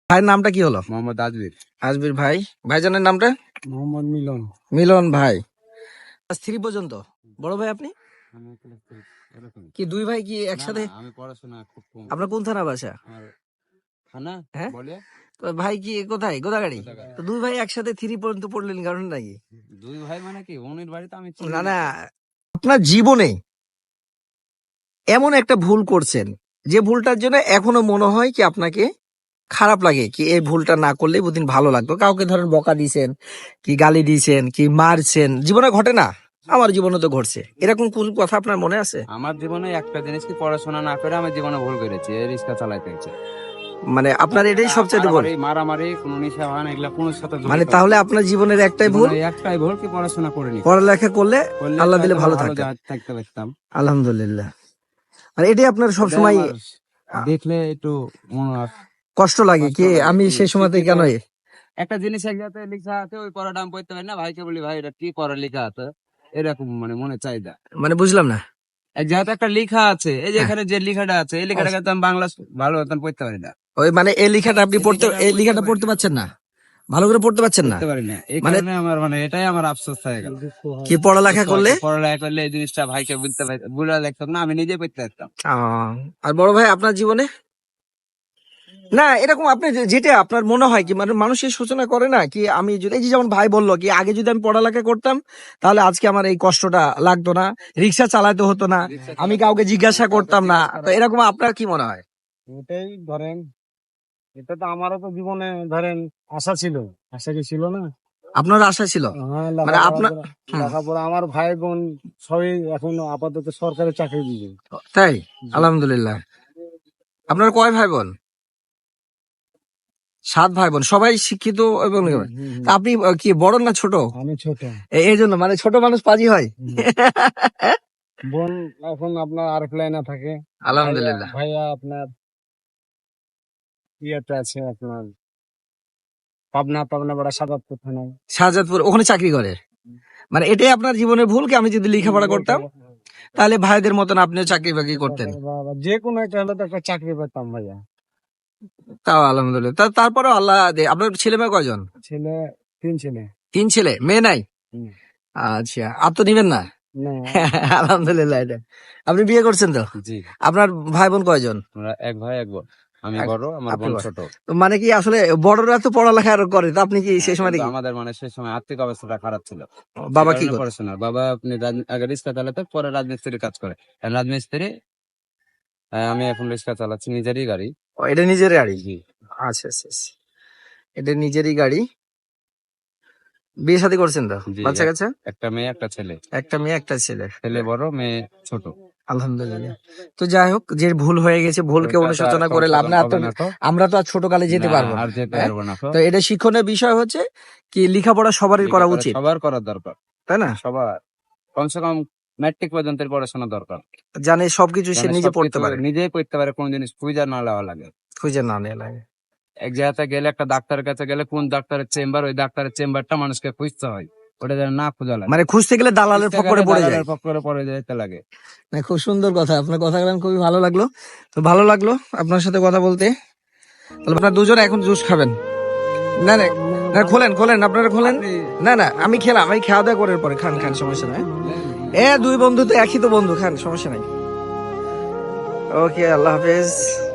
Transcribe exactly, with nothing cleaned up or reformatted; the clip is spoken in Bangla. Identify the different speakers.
Speaker 1: ভাইয়ের নামটা কি হলো?
Speaker 2: মোহাম্মদ আজমির।
Speaker 1: আজমির ভাই। ভাইজানের নামটা?
Speaker 2: মোহাম্মদ মিলন।
Speaker 1: মিলন ভাই। থ্রি পর্যন্ত বড় ভাই আপনি
Speaker 2: আমি ক্লাস থ্রি এরকম।
Speaker 1: কি দুই ভাই কি
Speaker 2: না,
Speaker 1: একসাথে?
Speaker 2: না, আমি পড়াশোনা খুব কম।
Speaker 1: আপনার কোন থানা বাসা?
Speaker 2: আমার থানা
Speaker 1: হ্যাঁ?
Speaker 2: বলে
Speaker 1: তো ভাই কি কোথায়? গোদাগাড়ি।
Speaker 2: কোথাকার।
Speaker 1: তো দুই ভাই একসাথে থ্রি পর্যন্ত পড়লেন কারণ নাকি?
Speaker 2: দুই ভাই মানে কি উনির বাড়িতে আমি চিনি
Speaker 1: না না, আপনার জীবনে এমন একটা ভুল করছেন যে ভুলটার জন্য এখনো মনে হয় কি আপনাকে খারাপ লাগে কি এই ভুলটা না করলে বুদিন ভালো লাগতো। কাউকে ধরেন বকা দিয়েছেন, কি গালি দিয়েছেন, কি মারছেন, জীবনে ঘটে না? আমার জীবনে তো ঘটছে। এরকম কোন কথা আপনার মনে আছে?
Speaker 2: আমার জীবনে একটা জিনিস কি পড়াশোনা না করে আমি জীবনে ভুল করেছি, এই রিক্সা চালাইতে হচ্ছে।
Speaker 1: মানে আপনার এটাই সবচেয়ে ভুল?
Speaker 2: মারামারি কোনো নিশা ভান এগুলা কোনো সাথে জড়িত
Speaker 1: মানে
Speaker 2: না।
Speaker 1: তাহলে আপনার জীবনের একটাই ভুল,
Speaker 2: জীবনে একটাই ভুল কি পড়াশোনা করিনি।
Speaker 1: পড়ালেখা করলে
Speaker 2: করলে
Speaker 1: আল্লাহ দিলে
Speaker 2: হয়তো
Speaker 1: ভালো
Speaker 2: ভালো
Speaker 1: থাকতেন।
Speaker 2: যা- থাকতে পারতাম।
Speaker 1: আলহামদুলিল্লাহ। মানে এটাই আপনার সবসময়
Speaker 2: এটা আমার দেখলে একটু মনে হয়
Speaker 1: কষ্ট লাগে
Speaker 2: কষ্ট
Speaker 1: কি
Speaker 2: লাগে
Speaker 1: আমি
Speaker 2: কি,
Speaker 1: সেই সময়তে
Speaker 2: শিক্ষিত
Speaker 1: কেন
Speaker 2: একটা জিনিস এক জায়গাতে লেখা আছে ওই পড়াটা আমি পড়তে পারি না, ভাইকে বলি ভাই এটা কি পড়া লেখা আছে, এরকম মানে মনে চাহিদা।
Speaker 1: মানে বুঝলাম না।
Speaker 2: এক জায়গাতে একটা লেখা আছে, এই যে
Speaker 1: হ্যাঁ।
Speaker 2: এখানে যে লেখাটা আছে এই লেখাটা কিন্তু আমি বাংলা ভালো মতন পড়তে পারি না।
Speaker 1: ওই মানে এই লেখাটা আপনি
Speaker 2: এই
Speaker 1: পড়তে
Speaker 2: লেখাটা
Speaker 1: এই
Speaker 2: পড়তে
Speaker 1: লেখাটা
Speaker 2: পারি
Speaker 1: পড়তে
Speaker 2: না।
Speaker 1: পারছেন না, ভালো করে পড়তে পারছেন না।
Speaker 2: পড়তে পারি না, এই
Speaker 1: মানে
Speaker 2: কারণে আমার মানে এটাই আমার আফসোস হয়ে গেল।
Speaker 1: কি পড়ালেখা করলে
Speaker 2: পড়ালেখা করলে এই জিনিসটা ভাইকে বুঝতে পারি বুঝা লাগতাম না, আমি নিজে পড়তে পারতাম।
Speaker 1: আহ, আর বড় ভাই আপনার জীবনে না এরকম আপনি যে- যেটা আপনার মনে হয় কি মানে মানুষের সূচনা করে না কি আমি যদি এই যে যেমন ভাই বললো কি আগে যদি আমি পড়ালেখা করতাম তাহলে আজকে আমার এই কষ্টটা লাগতো না, রিক্সা চালাতে হতো না, আমি কাউকে জিজ্ঞাসা করতাম না। তো এরকম আপনার কি মনে হয়?
Speaker 3: এটাই ধরেন, এটা তো আমারও তো জীবনে ধরেন আশা ছিল, আশা কি ছিল না?
Speaker 1: আপনার আশা ছিল?
Speaker 3: হ্যাঁ,
Speaker 1: মানে
Speaker 3: লেখাপড়া
Speaker 1: আপনার
Speaker 3: করে-
Speaker 1: হুম,
Speaker 3: লেখাপড়া আমার ভাই বোন সবই এখন আপাতত সরকারি চাকরি দিবে।
Speaker 1: তাই? আলহামদুলিল্লাহ। আপনার কয় ভাই বোন? সাত ভাই বোন, সবাই শিক্ষিত এবং
Speaker 3: হুম, হুম, হুম।
Speaker 1: তা আপনি আহ, কি বড় না ছোট?
Speaker 3: আমি ছোট।
Speaker 1: এ- এই জন্য মানে ছোট মানুষ পাজি হয়।
Speaker 3: হুম। বোন এখন আপনার আরেক লাইনে থাকে।
Speaker 1: আলহামদুলিল্লাহ।
Speaker 3: ভাইয়া- ভাইয়া আপনার ইয়েতে আছে আপনার পাবনা পাবনা বড় সাদাতপুর থানায়।
Speaker 1: শাহজাদপুর ওখানে চাকরি করে। মানে এটাই আপনার জীবনের ভুল কি আমি যদি লেখাপড়া করতাম তাহলে ভাইদের মতন আপনিও চাকরি বাকরি করতেন।
Speaker 3: বা- যে কোনো একটা হলে তো একটা চাকরি পেতাম ভাইয়া।
Speaker 1: তাও আলহামদুলিল্লাহ। তা তারপরেও আল্লাহ দে- আপনার ছেলে মেয়ে কয়জন?
Speaker 3: ছেলে তিন ছেলে।
Speaker 1: তিন ছেলে, মেয়ে নাই?
Speaker 3: হুম।
Speaker 1: আচ্ছা, আপ তো নিবেন না?
Speaker 3: না,
Speaker 1: আলহামদুলিল্লাহ। এটা আপনি বিয়ে করছেন তো?
Speaker 2: জি,
Speaker 1: আপনার ভাই বোন কয়জন?
Speaker 2: আমরা এক ভাই এক বোন, আমি
Speaker 1: এক-
Speaker 2: বড় আমার
Speaker 1: আপনি
Speaker 2: বোন
Speaker 1: বড়।
Speaker 2: ছোট।
Speaker 1: তো মানে কি আসলে বড়রা তো পড়ালেখা আরো করে, তো আপনি কি সেই সময়
Speaker 2: কিন্তু
Speaker 1: দেখি
Speaker 2: আমাদের মানে সেই সময় আর্থিক অবস্থাটা খারাপ ছিল,
Speaker 1: বাবা কি
Speaker 2: কারণে
Speaker 1: করে?
Speaker 2: পড়াশোনা বাবা আপনি রাজ- আগে রিক্সা চালাতে পরে রাজমিস্ত্রির কাজ করে। আর রাজমিস্ত্রি আহ, আমি এখন রিক্সা চালাচ্ছি নিজেরই গাড়ি।
Speaker 1: ও, এটা নিজের গাড়ি?
Speaker 2: জি,
Speaker 1: আচ্ছা আচ্ছা আচ্ছা। এটা নিজেরই গাড়ি। বিয়ে শাদী করছেন তো?
Speaker 2: জি,
Speaker 1: বাচ্চা
Speaker 2: এক-
Speaker 1: কাচ্চা?
Speaker 2: একটা মেয়ে একটা ছেলে,
Speaker 1: একটা মেয়ে একটা ছেলে।
Speaker 2: ছেলে বড় মেয়ে ছোট।
Speaker 1: আলহামদুলিল্লাহ। তো যাই হোক, যে ভুল হয়ে গেছে ভুলকে
Speaker 2: ওটা তো আর
Speaker 1: অনুশোচনা করে লাভ
Speaker 2: সংশোধন
Speaker 1: না।
Speaker 2: হবে
Speaker 1: তো
Speaker 2: না তো।
Speaker 1: আমরা তো আর ছোট কালে যেতে
Speaker 2: না,
Speaker 1: পারবো না।
Speaker 2: আর যেতে
Speaker 1: হ্যাঁ?
Speaker 2: পারবো না তো।
Speaker 1: তো এটা শিক্ষণীয় বিষয় হচ্ছে কি লেখাপড়া সবারই করা
Speaker 2: লেখাপড়া
Speaker 1: উচিত,
Speaker 2: সবার করার দরকার,
Speaker 1: তাই না?
Speaker 2: সবার কমসে কম ম্যাট্রিক পর্যন্ত পড়াশোনা দরকার,
Speaker 1: জানে সবকিছু সে
Speaker 2: যেন
Speaker 1: নিজে পড়তে
Speaker 2: সবকিছু
Speaker 1: পারে,
Speaker 2: নিজেই পড়তে পারে, কোন জিনিস খুঁজে না নেওয়া লাগে।
Speaker 1: খুঁজে না নেওয়া লাগে।
Speaker 2: এক জায়গাতে গেলে একটা ডাক্তারের কাছে গেলে কোন ডাক্তারের চেম্বার, ওই ডাক্তারের চেম্বারটা মানুষকে খুঁজতে হয়, ওটা যেন না খোঁজা লাগে।
Speaker 1: মানে খুঁজতে গেলে দালালের
Speaker 2: খুঁজতে
Speaker 1: ফকরে
Speaker 2: গেলে
Speaker 1: পড়ে যায়।
Speaker 2: দালালের পক্করে পড়ে যেতে লাগে।
Speaker 1: না, খুব সুন্দর কথা, আপনার কথা বলেন খুবই ভালো লাগলো। তো ভালো লাগলো আপনার সাথে কথা বলতে। তাহলে আপনার দুজন এখন জুস খাবেন? না না না, খোলেন খোলেন, আপনারা খোলেন। না না, আমি খেলাম, আমি খাওয়া দাওয়া করার পরে খান খান, সমস্যা নাই। এ দুই বন্ধু তো একই তো বন্ধু, খান সমস্যা নাই। ওকে, আল্লাহ হাফেজ।